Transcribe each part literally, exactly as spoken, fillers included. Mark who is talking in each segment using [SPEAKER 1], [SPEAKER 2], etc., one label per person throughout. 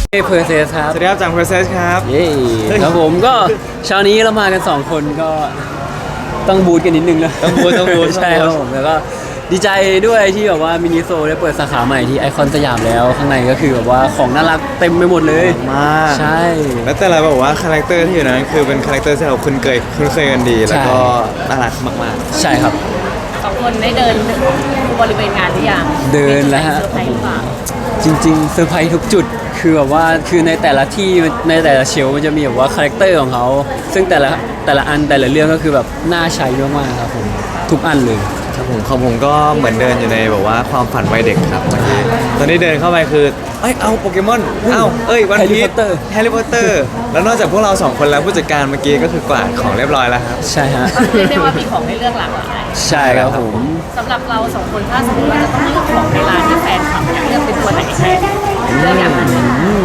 [SPEAKER 1] เฮ้เพอร์เซสครับ
[SPEAKER 2] สวัสดีครับจาก Process ครับ
[SPEAKER 1] เย้ครับผมก็เช้านี้เรามากันสองคนก็ต้องบูทกันนิดนึงนะ
[SPEAKER 2] ต้องบูทต้องบูท
[SPEAKER 1] ใช่ครับผมแล้วก็ดีใจด้วยที่แบบว่ามินิโซได้เปิดสาขาใหม่ที่ไอคอนสยามแล้วข้างในก็คือแบบว่าของน่ารักเต็มไปหมดเลย
[SPEAKER 2] มาก
[SPEAKER 1] ใช่
[SPEAKER 2] แล้วแต่ละแบบว่าคาแรคเตอร์ที่อยู่นั้นคือเป็นคาแรคเตอร์ที่เราคุ้นเคยคุ้นเคยกันดี แล้วก็น่ารักมาก
[SPEAKER 1] ใช่ครับ
[SPEAKER 3] สองคนได้เดินบริเวณงานหรือยัง
[SPEAKER 1] เดินแล้วฮะ
[SPEAKER 3] เซอร์ไพรส์หรือเปล่า
[SPEAKER 1] จริงๆเซอร์ไพรส์ทุกจุดคือแบบว่าคือในแต่ละที่ในแต่ละเชลฟ์มันจะมีแบบว่าคาแรคเตอร์ของเขาซึ่งแต่ละแต่ละอันแต่ละเรื่องก็คือแบบน่าใช้มากๆครับผมทุกอันเลย
[SPEAKER 2] ๆครับผมของผมก็เหมือนเดินอยู่ในแบบว่าความฝันวัยเด็กครับเมื่อกี้ตอนนี้เดินเข้าไปคือเอ้ยเอาโปเกมอนเอาเอ้ยวัน
[SPEAKER 1] Harry
[SPEAKER 2] พีช
[SPEAKER 1] Potter
[SPEAKER 2] แฮร์รี่พอตเตอร์แล้วนอกจากพวกเราสองคนแล้วผู้จัดการเมื่อกี้ก็คือกวาดของเรียบร้อยแล้วครับ
[SPEAKER 1] ใช่ฮะ
[SPEAKER 3] เรียกได้ว่ามีของให้เลือกหลากหลาย
[SPEAKER 1] ใช่ครับผม
[SPEAKER 3] สำหรับเราสองคนถ้าสมมติว่าจะต้องเลือกของในร้านที่แฟนคลับอยากเลือกเป็นตัวไหนแทนเลือกอย่างนั้นเลย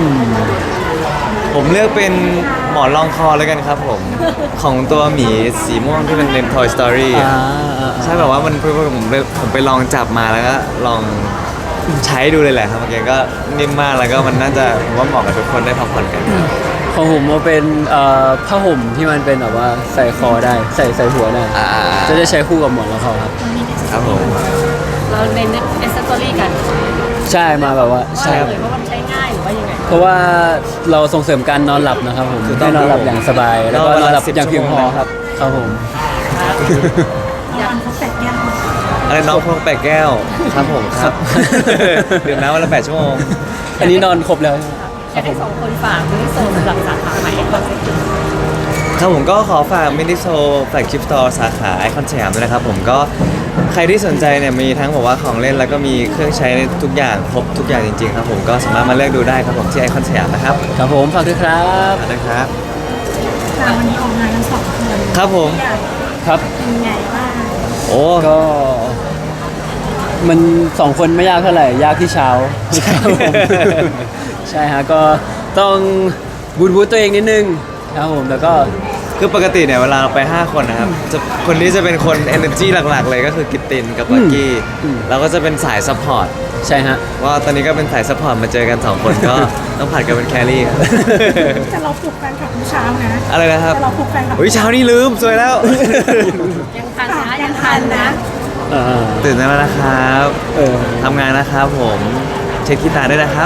[SPEAKER 2] ผมเลือกเป็นหมอนรองคอแล้วกันครับผม ของตัวหมีสีม่วงที่เป็นใน Toy Story อะ
[SPEAKER 1] อ่าอ่า
[SPEAKER 2] ใช่แบบว่ามันผมไปผมไปลองจับมาแล้วก็ลองใช้ดูเลยแหละครับเมื่อกี้ก็นิ่มมากแล้วก็มันน่าจะผมว่าเหมาะกับทุกคนได้พักผ่อนกัน
[SPEAKER 1] ของผมมันเป็นเอ่อผ้าห่มที่มันเป็นแบบว่าใส่คอได้ใส่ใส่หัวได้
[SPEAKER 2] อ่า
[SPEAKER 1] จะได้ใช้คู่กับหมอนรองคอครับ
[SPEAKER 2] ครับผม
[SPEAKER 3] เราในเอสเซอรี่กัน
[SPEAKER 1] ใช่มาแบบว่า
[SPEAKER 3] ว่า
[SPEAKER 1] ใช่ครับ
[SPEAKER 3] เลยว่ามันใช้ง่ายหรือว่ายังไง
[SPEAKER 1] เพราะว่าเราส่งเสริมการนอนหลับนะครับผมให้นอนหลับอย่างสบายแล้วก็นอนหลับอย่างเพียงพอครับครับผม
[SPEAKER 3] อยาก
[SPEAKER 2] อะไรน้องพงแปดแก้วครับผมครับ ดื่มน้ำวันละแปดชั่วโมง
[SPEAKER 1] อันนี้นอนครบแล้ว
[SPEAKER 3] อยากให้สองคนฝากมินิโซสำหรับสาขาใหม่คอนเซ็ปต์
[SPEAKER 2] ครับผมก็ขอฝากมินิโซแฟลกชิพสตอร์สาขาไอคอนสยามด้วยนะครับผมก็ใครที่สนใจเนี่ยมีทั้งบอกว่าของเล่นแล้วก็มีเครื่องใช้ทุกอย่างครบทุกอย่างจริงๆครับผมก็สามารถมาเลือกดูได้ครับผมที่ไอคอนสยามนะครับ
[SPEAKER 1] ครับผมฝากด้วยครับ
[SPEAKER 2] ขอบคุณครับ
[SPEAKER 4] ค่ะวันนี้ออกงานกันสองคน
[SPEAKER 2] ครับผม
[SPEAKER 4] อยาก
[SPEAKER 1] ครับ
[SPEAKER 4] เป็นไงบ้าง
[SPEAKER 2] โอ้
[SPEAKER 1] ก็มันสองคนไม่ยากเท่าไหร่ยากที่เช้าครับผมใช่ฮะก็ต้องบูทบูทตัวเองนิดนึงครับผมแล้วก็
[SPEAKER 2] คือปกติเนี่ยเวลาเราไปห้าคนนะครับจะคนนี้จะเป็นคน energy หลักๆ เลยก็คือกิตตินกับวักกี้เราก็จะเป็นสายซัพพอร์ต
[SPEAKER 1] ใช่ฮะ
[SPEAKER 2] ว่าตอนนี้ก็เป็นสายซัพพอร์ตมาเจอกันสองคนก็ต้องผัดกันเป็นแครี่ครับ
[SPEAKER 4] แต่เราปลุกแฟนคลับทุกเช้านะ
[SPEAKER 2] อะไรนะครับ
[SPEAKER 4] แต่เราปลุกแฟนคลับ
[SPEAKER 2] อุ้ยเช้านี้ลืมสวยแล้ว
[SPEAKER 3] ยังทันนะยังทันนะ
[SPEAKER 1] อ่า
[SPEAKER 2] ตื่นแล้วนะครับ
[SPEAKER 1] เออ
[SPEAKER 2] ทำงานนะครับผมเช็คที่ตาด้วยนะครับ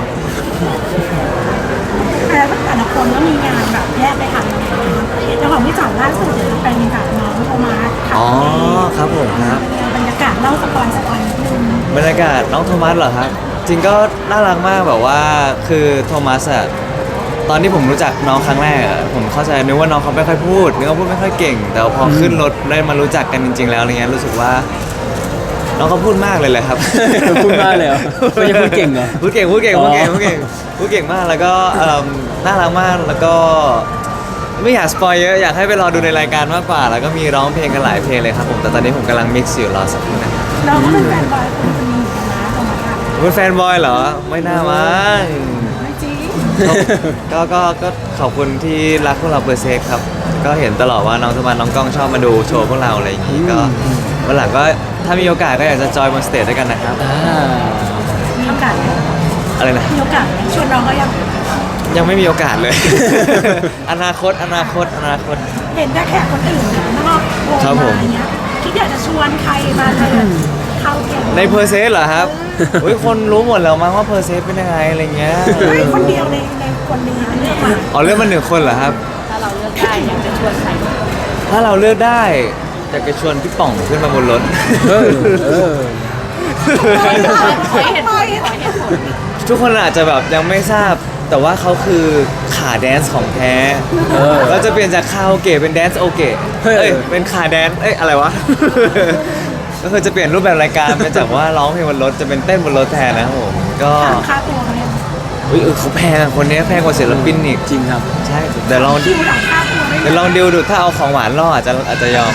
[SPEAKER 4] แต่แต่ละคนก็มีงานแบบแยกไปทำงานแล้วของพี่จ๋าล่าสุดเดี๋ยวจะไปมีกับน้องโทมัสค่ะ
[SPEAKER 2] อ๋อครับผมครับ
[SPEAKER 4] บรรยากาศเล่าสปอยสปอยนิดนึง
[SPEAKER 2] บรรยากาศน้องโทมัสเหรอครับจริงก็น่ารักมากแบบว่าคือโทมัสอะตอนที่ผมรู้จักน้องครั้งแรกอะผมเข้าใจนึกว่าน้องเขาไม่ค่อยพูดนึกว่าพูดไม่ค่อยเก่ง แต่พอขึ้นรถได้มารู้จักกันจริง ๆ แล้วอะไรเงี้ยรู้สึกว่า น้องเขาพูดมากเลยแหละครับ
[SPEAKER 1] พูดมากเลยเหรอไม่ใช่พูดเก่งเหรอ
[SPEAKER 2] พูดเก่งพูดเก่ง
[SPEAKER 1] อ๋อ
[SPEAKER 2] พูดเก่งพูดเก่งพูดเก่งมากแล้วก็เอิ่มน่ารักมากแล้วก็ไม่อยากสปอยเยอะอยากให้ไปรอดูในรายการมากกว่า แล้วก็มีร้องเพลงกันหลายเพลงเลยครับผมแต่ตอนนี้ผมกำลังมิกซ์อยู่รอสักครู่นะ
[SPEAKER 4] เราก็เป็นแฟนบอยคนคนนี้เหมือนกันนะโทมัสอะ
[SPEAKER 2] เป็นแฟนบอยเหรอไม่น่ามั้ง
[SPEAKER 4] ไม่จริง
[SPEAKER 2] ก็ก็ก็ขอบคุณที่รักพวกเราเปอร์เซ็กครับ ก็เห็นตลอดว่าน้องสมานน้องกล้องชอบมาดูโชว์พวกเราอะไรอย่างงี้ก็วันหลังก็ถ้ามีโอกาสก็อยากจะจอยบนสเตจด้วยกันนะครับ
[SPEAKER 1] อ่า
[SPEAKER 4] มีโอกาสไหม
[SPEAKER 2] อะไรนะ
[SPEAKER 4] มีโอกาสไหมชวนน้องก็ยัง
[SPEAKER 2] ยังไม่มีโอกาสเลย อนาคตอนาคตอนาคต
[SPEAKER 4] เห็นแต่แขกคนอื่นนะนอกวง
[SPEAKER 2] ครับผม
[SPEAKER 4] มาอย่างเงี้ยคิดอยากจะชวนใครมาเลยเข้าเกม
[SPEAKER 2] ในเพอร์เซสเหรอครับอุ้ยคนรู้หมดแล้วมั้งว่าเพอร์เซสเป็นยังไงอะไรเงี้ย
[SPEAKER 4] เฮ้ยคนเดียวในในคนหนึงนะเลือกมา
[SPEAKER 2] อ๋อเลือกมาหนึ่งคนเหรอครับ
[SPEAKER 3] ถ้าเราเลือกได้อยากจะชวนใคร
[SPEAKER 2] ถ้าเราเลือกได้อยากจะชวนพี่ป่องขึ้นมาบนรถ
[SPEAKER 1] เออเออ
[SPEAKER 3] ขอให้เหตุผลขอให้เหตุผล
[SPEAKER 2] ทุกคนอาจจะแบบยังไม่ทราบ แต่ว่าเขาคือขาแดนซ์ของแท้
[SPEAKER 1] เออ
[SPEAKER 2] เราจะเปลี่ยนจากคาราโอเกะเป็นแดนซ์โอเกะ
[SPEAKER 1] เฮ้ย
[SPEAKER 2] เอ้ยเป็นขาแดนซ์เอ้ยอะไรวะ ก็คือจะเปลี่ยนรูปแบบรายการเป็นจากว่าร้องเพลงบนรถจะเป็นเต้นบนรถแทนนะครับผมก็
[SPEAKER 4] ถามค่าตัวเขาเนี่ย
[SPEAKER 2] อุ้ยเออเขาแพงอะคนนี้แพงกว่าศิลปินอีก
[SPEAKER 1] จริงครับ
[SPEAKER 2] ใช่เดี๋ยวลอง
[SPEAKER 4] คิวหลังค่าตัวไม่
[SPEAKER 2] เดี๋ยวลองดิวดูถ้าเอาของหวานล่ออาจจะอาจจะยอม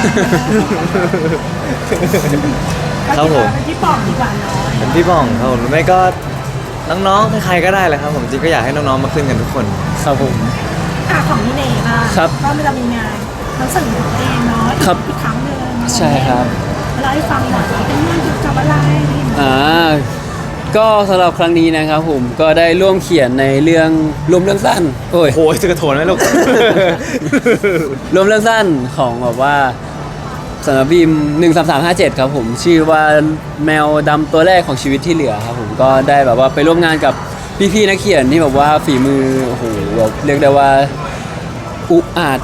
[SPEAKER 2] ครับผม
[SPEAKER 4] เป็นที่ปอกดีกว่าน้อย
[SPEAKER 2] เป็นพี่ป่องครับผมหรือไม่ก็น้องๆใครๆก็ได้เลยครับผมจริงก็อยากให้น้องๆมาขึ้นกันทุกคน
[SPEAKER 1] ครับผม
[SPEAKER 4] อ่ะของพี่เนยบ้าง
[SPEAKER 1] ครับ
[SPEAKER 4] ก็เรามีงานหนังสือของตัวเองเนาะ
[SPEAKER 1] ครับ
[SPEAKER 4] อีกครั้งหนึ่ง
[SPEAKER 1] ใช่ครับ
[SPEAKER 4] เราให้ฟังหน่อยว่าเป็นงานเกี่ยวกับอะไร
[SPEAKER 1] อ่าก็สำหรับครั้งนี้นะครับผมก็ได้ร่วมเขียนในเรื่องรวมเรื่องสั้นโอ้ย
[SPEAKER 2] โอ้ยจะกระโถนไหมลูก
[SPEAKER 1] รวมเรื่องสั้นของแบบว่าสำนักพิมพ์หนึ่งสามสามห้าเจ็ดครับผมชื่อว่าแมวดำตัวแรกของชีวิตที่เหลือครับผมก็ได้แบบว่าไปร่วมงานกับพี่ๆนักเขียนที่แบบว่าฝีมือโอ้โหแบบเรียกได้ว่าอุกอาจ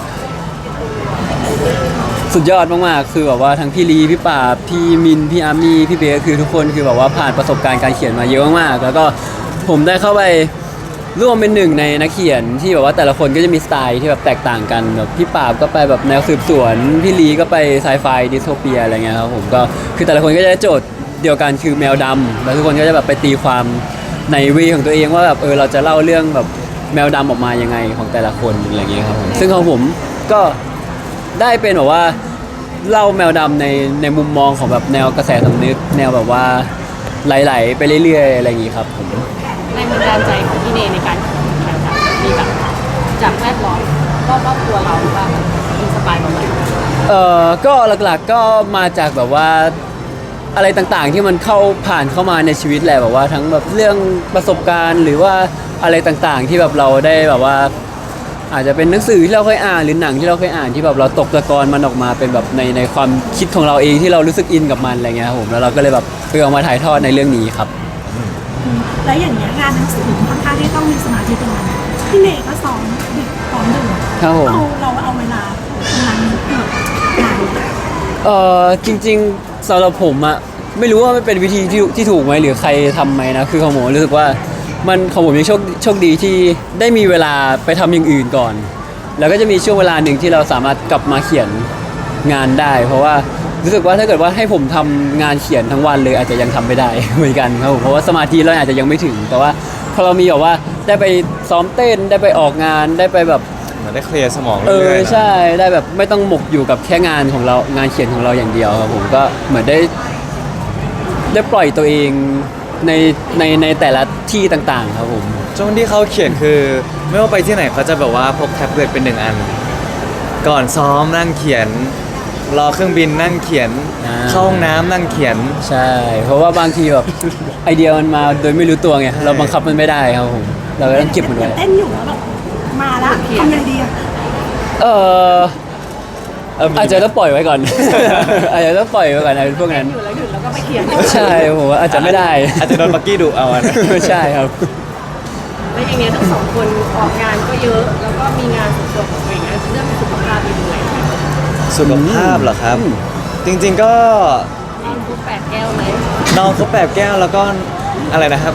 [SPEAKER 1] สุดยอดมากๆคือแบบว่าทั้งพี่ลีพี่ปราบพี่มินพี่อาร์มี่พี่เบสคือทุกคนคือแบบว่าผ่านประสบการณ์การเขียนมาเยอะมากๆแล้วก็ผมได้เข้าไปร่วมเป็นหนึ่งในนักเขียนที่แบบว่าแต่ละคนก็จะมีสไตล์ที่แบบแตกต่างกันแบบพี่ปราบก็ไปแบบแนวสืบสวนพี่ลีก็ไปไซไฟดิสโทเปียอะไรเงี้ยครับผมก็คือแต่ละคนก็จะได้โจทย์เดียวกันคือแมวดำแล้วทุกคนก็จะแบบไปตีความในวีของตัวเองว่าแบบเออเราจะเล่าเรื่องแบบแมวดำออกมายังไงของแต่ละคนอะไรเงี้ยครับผมซึ่งของผมก็ได้เป็นแบบว่าเล่าแมวดำในในมุมมองของแบบแนวกระแสสำนึกแนวแบบว่าไหลๆไปเรื่อยๆอะไรอย่างงี้ครับผม
[SPEAKER 3] แรงบันดาลใจของพี่เนในการเขียนแบบมีแบบจากแวดล้อมรอบๆตัวเราหรือว่าแบบอินสปายมาไหม
[SPEAKER 1] เอ่อก็หลักๆก็มาจากแบบว่าอะไรต่างๆที่มันเข้าผ่านเข้ามาในชีวิตแหละแบบว่าทั้งแบบเรื่องประสบการณ์หรือว่าอะไรต่างๆที่แบบเราได้แบบว่า อาจจะเป็นหนังสือที่เราเคยอ่านหรือหนังที่เราเคยอ่านที่แบบเราตกตะกอนมันออกมาเป็นแบบในในความคิดของเราเองที่เรารู้สึกอินกับมันอะไรเงี้ยครับผมแล้วเราก็เลยแบบเออเอามาถ่ายทอดในเรื่องนี้ครับ
[SPEAKER 4] แล้วอย่างเงี้ยงานหนังสือค่อนข้างที่ต้องมีสมาธิตรงนั้นพี่เนยก็ซ้อมดึกซ้อมดึก
[SPEAKER 1] ครับผม
[SPEAKER 4] เราเราเอาเวลาตรงนั้นเกิดงาน
[SPEAKER 1] เออจริงๆสำหรับผมอะไม่รู้ว่ามันเป็นวิธีที่ที่ถูกไหมหรือใครทำไหมนะคือของผมรู้สึกว่ามันของผมยังโชคโชคดีที่ได้มีเวลาไปทำอย่างอื่นก่อน แล้วก็จะมีช่วงเวลาหนึ่งที่เราสามารถกลับมาเขียนงานได้ เพราะว่ารู้สึกว่าถ้าเกิดว่าให้ผมทำงานเขียนทั้งวันเลยอาจจะยังทำไม่ได้ เหมือนกันครับผมเพราะว่าสมาธิเราอาจจะยังไม่ถึง แต่ว่าพอเรามีแบบว่าได้ไปซ้อมเต้นได้ไปออกงานได้ไปแบบ
[SPEAKER 2] เหมือนได้เคลียร์สมอง
[SPEAKER 1] เอ
[SPEAKER 2] เรื่
[SPEAKER 1] อ
[SPEAKER 2] อยๆนะ
[SPEAKER 1] ใช่ได้แบบไม่ต้องหมกอยู่กับแค่งานของเรางานเขียนของเราอย่างเดียวครับผมก็เหมือนได้ได้ปล่อยตัวเองในในในแต่ละที่ต่างๆ ครับผม
[SPEAKER 2] ช่วงที่เขาเขียนคือไม่ว่าไปที่ไหนเขาจะแบบว่าพกแท็บเล็ตเป็นหนึ่งอัน ก่อนซ้อมนั่งเขียน รอเครื่องบินนั่งเขียน
[SPEAKER 1] อ่า
[SPEAKER 2] เข้าห้องน้ำนั่งเขียน
[SPEAKER 1] ใช่ เพราะว่าบางทีแบบ ไอเดียมันมาโดยไม่รู้ตัวไง
[SPEAKER 2] ใช่
[SPEAKER 1] เราบังคับมันไม่ได้ครับผมเราก็ต้องเก็บมันไว้
[SPEAKER 4] เต้นอยู่แล้วแบบมาละทำยังไงดีอะ
[SPEAKER 1] เออ
[SPEAKER 2] เออมี
[SPEAKER 1] อาจจะต้องปล่อยไว้ก่อน อาจจะต้องปล่อยไว้ก่อนในพวกนั้น
[SPEAKER 3] อยู่แล้วหยุดแล้วก็ไปเขียน
[SPEAKER 1] ใช่ผมว่าอาจจะไม่ได้
[SPEAKER 2] อาจจะโดนบักกี้ดุเอาอะนะ
[SPEAKER 1] ใช่ครับ
[SPEAKER 3] แล้วอย่างเงี้ยทั้งสองคนออกงานก็เยอะ แล้วก็มีงานส่วนตัวของตัวเองเรื่องสุขภาพเป็นยังไง
[SPEAKER 2] สุขภาพเหรอครับ
[SPEAKER 1] อืม
[SPEAKER 2] จริงๆก็
[SPEAKER 3] นอนคุกแปดแก้วไหม
[SPEAKER 2] น้องเขาแปดแก้วแล้วก็อะไรนะครับ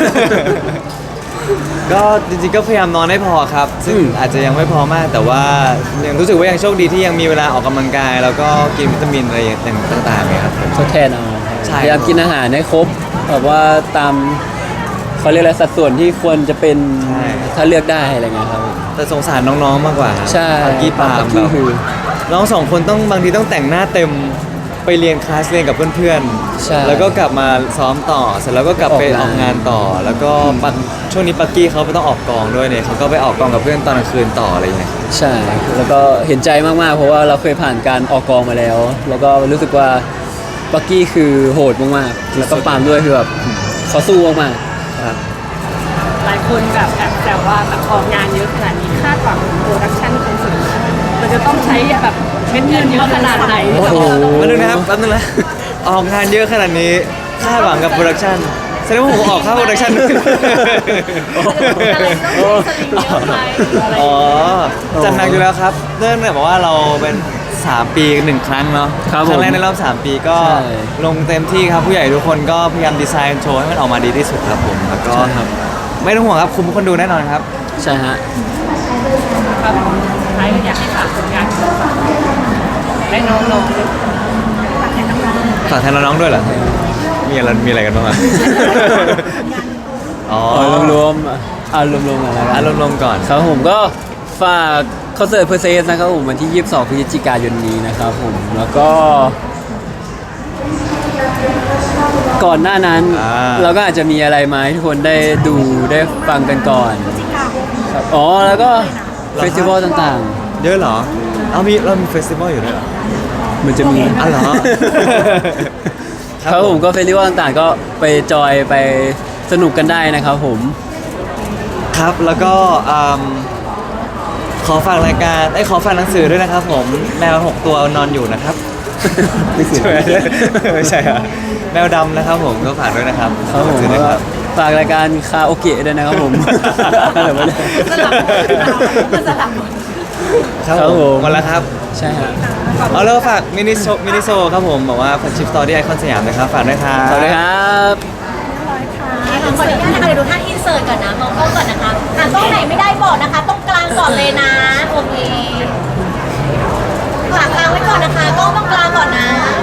[SPEAKER 2] ก็จริงๆก็พยายามนอนให้พอครับ ซึ่ง
[SPEAKER 1] อืม
[SPEAKER 2] อาจจะยังไม่พอมาก แต่ว่ายังรู้สึกว่ายังโชคดีที่ยังมีเวลาออกกำลังกาย แล้วก็กินวิตามินอะไรอย่างต่างๆเนี่ยครับผม
[SPEAKER 1] ทดแทนเอา
[SPEAKER 2] ใช่
[SPEAKER 1] พยายามกินอาหารให้ครบแบบว่าตามเขาเรียกอะไรสัดส่วนที่ควรจะเป็นถ้าเลือกได้อะไรเงี้ยครับผม
[SPEAKER 2] แต่สงสารน้องๆมากกว่าครับ
[SPEAKER 1] ใช่
[SPEAKER 2] ปักกี้ปาล์ม
[SPEAKER 1] ปัก
[SPEAKER 2] แบ
[SPEAKER 1] กี้
[SPEAKER 2] บ
[SPEAKER 1] คือ
[SPEAKER 2] น้องสองคนต้องบางทีต้องแต่งหน้าเต็มไปเรียนคลาสเรียนกับเพื่อน
[SPEAKER 1] ใช่
[SPEAKER 2] ๆ แล้วก็กลับมาซ้อมต่อ เสร็จแล้วก็กลับไป
[SPEAKER 1] อ
[SPEAKER 2] อ
[SPEAKER 1] อ
[SPEAKER 2] อก ก
[SPEAKER 1] งาน
[SPEAKER 2] งานต่อ แล้วก็ปักช่วงนี้ปักกี้เขาไปต้องออกกองด้วยเนี่ยเขาก็ไปออกกองกับเพื่อนตอนกลางคืนต่ออะไรอย่างเงี้ย
[SPEAKER 1] ใช่ แล้วก็เห็นใจมากๆ เพราะว่าเราเคยผ่านการออกกองมาแล้ว แล้วก็รู้สึกว่าปักกี้คือโหดมากๆ แล้วก็ปาล์มด้วยคือแบบเขาสู้มาก
[SPEAKER 2] ครับ
[SPEAKER 3] หลายคนแบบแอบแซวว่าแบบออกงานเยอะขนาดนี้คาดหวังโปรดักชั่นคอนเสิร์ตมันจะต้องใช้แบบเม็ดเงินเยอะขนาดไหน
[SPEAKER 1] โอ้โห
[SPEAKER 2] แป๊บนึงนะครับแป๊บนึงนะ ออกงานเยอะขนาดนี้คาดหวังกับโปรดักชันแสดงว่าผมออกค่าโปรดักชันด้วย
[SPEAKER 3] อะไรต้องมีสลิงเยอะไหมอะไร
[SPEAKER 2] อ๋อจัดหนักอยู่แล้วครับเนื่องจากว่าเราเป็นสามปีหนึ่งครั้งเนาะ
[SPEAKER 1] ครับ
[SPEAKER 2] ครั้งแรก
[SPEAKER 1] ผม
[SPEAKER 2] ในรอบสามปีก็
[SPEAKER 1] ใช่
[SPEAKER 2] ลงเต็มที่ครับผู้ใหญ่ทุกคนก็พยายามดีไซน์โชว์ให้มันออกมาดีที่สุดครับผมแล้วก็
[SPEAKER 1] ใช่ครับ
[SPEAKER 2] ไม่ต้องห่วงครับคุ้มคนดูแน่นอนครับ
[SPEAKER 1] ๆ ใช่ฮะ
[SPEAKER 3] ครับสุดท้ายก็อยากให้ฝากผลงานของเราและน้องๆด้วย
[SPEAKER 4] ฝากแทนน้องๆ
[SPEAKER 2] ฝากแทนน้องๆด้วยเหรอมีอะไรมีอะไรกันบ้างอะอ๋อ
[SPEAKER 1] เอารวมๆอ่ะเอารวมๆอะไร
[SPEAKER 2] อาร
[SPEAKER 1] กัน
[SPEAKER 2] มณ์รวมๆก่อน
[SPEAKER 1] ครับผมก็ฝากคอนเสิร์ตเพอร์เซสนะครับผมวันที่ยี่สิบสองพฤศจิกายนนี้นะครับผมแล้วก็ ก่อนหน้านั้น
[SPEAKER 2] อ่า
[SPEAKER 1] เราก็อาจจะมีอะไรมาให้ทุกคนได้ดูได้ฟังกันก่อน
[SPEAKER 4] พฤศจิกา
[SPEAKER 1] ครับอ๋อแล้วก็เฟสติวัลต่าง
[SPEAKER 2] เยอะเหรอเอามีเรามีเฟสติวัลอยู่ด้วยเหรอ
[SPEAKER 1] ๆ มันจะมี
[SPEAKER 2] อ๋อเหรอ
[SPEAKER 1] ครับผมก็เฟสติวัลต่างๆ ก็ไปจอยไปสนุกกันได้นะครับผม
[SPEAKER 2] ครับแล้วก็อืมขอฝากรายการไอ้ยขอฝากหนังสือด้วยนะครับผมแมวหกตัวนอนอยู่นะครับ ไม่ใช่ไม่ใช่อะแมวดำนะครับผมก็ฝากด้วยนะครับ
[SPEAKER 1] ครับผม
[SPEAKER 2] หนังสือด้วยครับ
[SPEAKER 1] ฝากรายการคาโอเกะด้วยนะครับผม อะไรวะเนี่ย
[SPEAKER 3] สลับมันสลับหมด
[SPEAKER 2] ครับ
[SPEAKER 1] ครับ
[SPEAKER 2] ผ
[SPEAKER 1] ผม ม
[SPEAKER 2] หมดแล้วครับ
[SPEAKER 1] ใช่ฮะ
[SPEAKER 2] เอาแล้วฝากมินิโซมินิโซครับผมบอกว่าพันชิปสตอรี่ไอคอนสยามนะครับฝากด้วยครับ
[SPEAKER 1] สวัสดีครับ
[SPEAKER 5] ขออนุญาตนะคะเดี๋ยวดูท่าอินเสิร์ตก่อนนะมองกล้องก่อนนะคะอ่ะกล้องไหนไม่ได้บอกนะคะต้องกลางก่อนเลยนะโอเคฝากกลางไว้ก่อนนะคะกล้องต้องกลางก่อนนะ